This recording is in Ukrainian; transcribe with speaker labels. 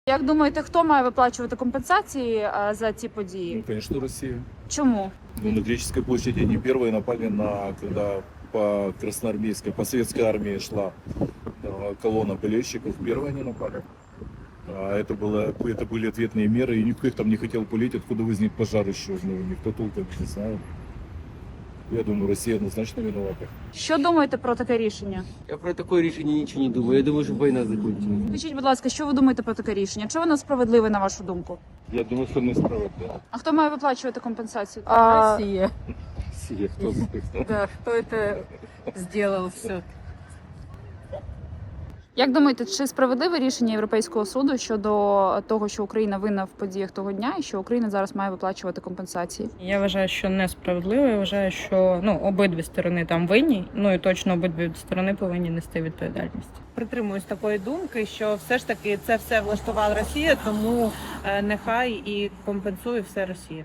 Speaker 1: Як думаєте, хто має виплачувати компенсації за ці події?
Speaker 2: Ну, конечно, Россия.
Speaker 1: Чому?
Speaker 2: Ну, на Греческой площади они первые напали когда по красноармейской, по советской армии шла колонна болельщиков. Первые они напали. Это были ответные меры, и никто их там не хотел пулить, откуда возник пожар еще. Ну, никто толком не знает. Я думаю, Россия однозначно виновата.
Speaker 1: Що думаєте про таке рішення?
Speaker 3: Я про такое решение ничего не думаю. Я думаю, что война закончилась.
Speaker 1: Скажіть, будь ласка, що ви думаєте про таке рішення? Чи воно справедливе, на вашу думку?
Speaker 2: Я думаю, что несправедливо.
Speaker 1: А хто має виплачувати компенсацію?
Speaker 4: Россия.
Speaker 2: Россия, кто
Speaker 4: Да, кто это сделал все?
Speaker 1: Як думаєте, чи справедливе рішення Європейського суду щодо того, що Україна винна в подіях того дня і що Україна зараз має виплачувати компенсації?
Speaker 5: Я вважаю, що несправедливо. Я вважаю, що обидві сторони там винні. Ну і точно обидві сторони повинні нести відповідальність.
Speaker 6: Притримуюсь такої думки, що все ж таки це все влаштувала Росія, тому нехай і компенсує все Росія.